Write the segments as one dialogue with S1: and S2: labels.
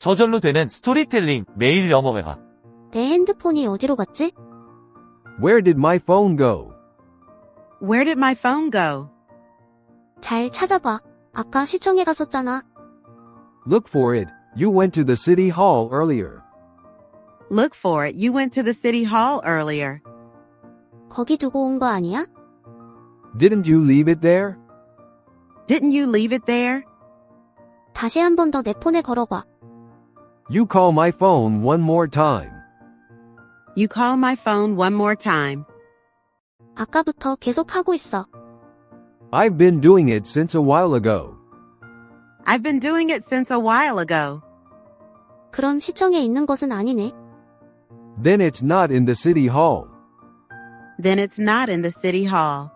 S1: 저절로 되는 스토리텔링 매일 영어 회화.
S2: 내 핸드폰이 어디로 갔지?
S3: Where did my phone go?
S4: Where did my phone go?
S2: 잘 찾아봐. 아까 시청에 갔었잖아.
S3: Look for it. You went to the city hall earlier.
S4: Look for it. You went to the city hall earlier.
S2: 거기 두고 온 거 아니야?
S3: Didn't you leave it there?
S4: Didn't you leave it there?
S2: 다시 한 번 더 내 폰에 걸어봐.
S3: You call my phone one more time.
S4: You call my phone one more time.
S2: 아까부터 계속 하고 있어.
S3: I've been doing it since a while ago.
S4: I've been doing it since a while ago.
S2: 그럼 시청에 있는 것은 아니네.
S3: Then it's not in the city hall.
S4: Then it's not in the city hall.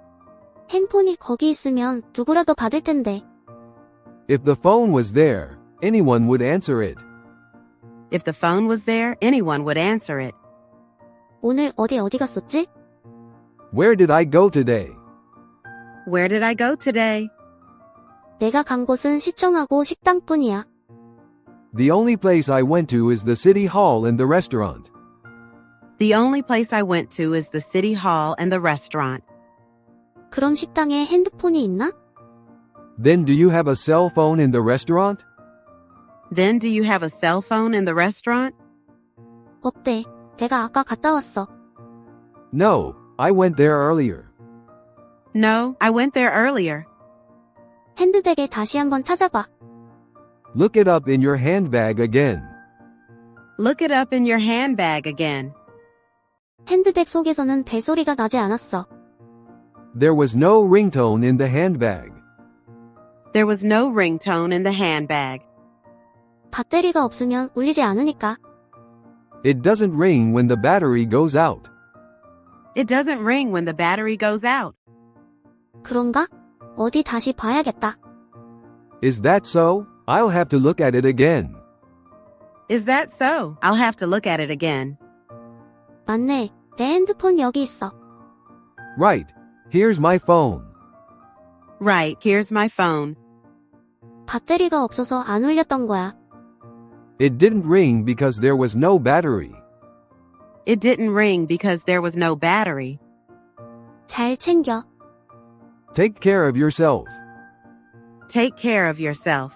S2: 핸폰이 거기 있으면 누구라도 받을 텐데.
S3: If the phone was there, anyone would answer it.
S4: If the phone was there, anyone would answer it.
S2: 오늘 어디 갔었지?
S3: Where did I go today?
S4: Where did I go today?
S2: 내가 간 곳은 시청하고 식당뿐이야.
S3: The only place I went to is the city hall and the restaurant.
S4: The only place I went to is the city hall and the restaurant.
S2: 그럼 식당에 핸드폰이 있나?
S3: Then do you have a cell phone in the restaurant?
S4: Then do you have a cell phone in the restaurant?
S2: 없대. 내가 아까 갔다 왔어.
S3: No, I went there earlier.
S4: No, I went there earlier.
S2: 핸드백에 다시 한번 찾아봐.
S3: Look it up in your handbag again.
S4: Look it up in your handbag again.
S2: 핸드백 속에서는 벨소리가 나지 않았어.
S3: There was no ringtone in the handbag.
S4: There was no ringtone in the handbag.
S2: 배터리가 없으면 울리지 않으니까.
S3: It doesn't ring when the battery goes out.
S4: It doesn't ring when the battery goes out.
S2: 그런가? 어디 다시 봐야겠다.
S3: Is that so? I'll have to look at it again.
S4: Is that so? I'll have to look at it again.
S2: 맞네. 내 핸드폰 여기 있어.
S3: Right. Here's my phone.
S4: Right, here's my phone.
S2: 배터리가 없어서 안 울렸던 거야.
S3: It didn't ring because there was no battery.
S4: It didn't ring because there was no battery.
S2: 잘 챙겨.
S3: Take care of yourself.
S4: Take care of yourself.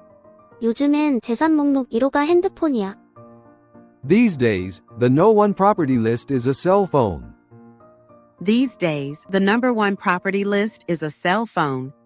S2: 요즘엔 재산 목록 1호가 핸드폰이야.
S3: These days, the no one property list is a cell phone.
S4: These days, the number one property list is a cell phone.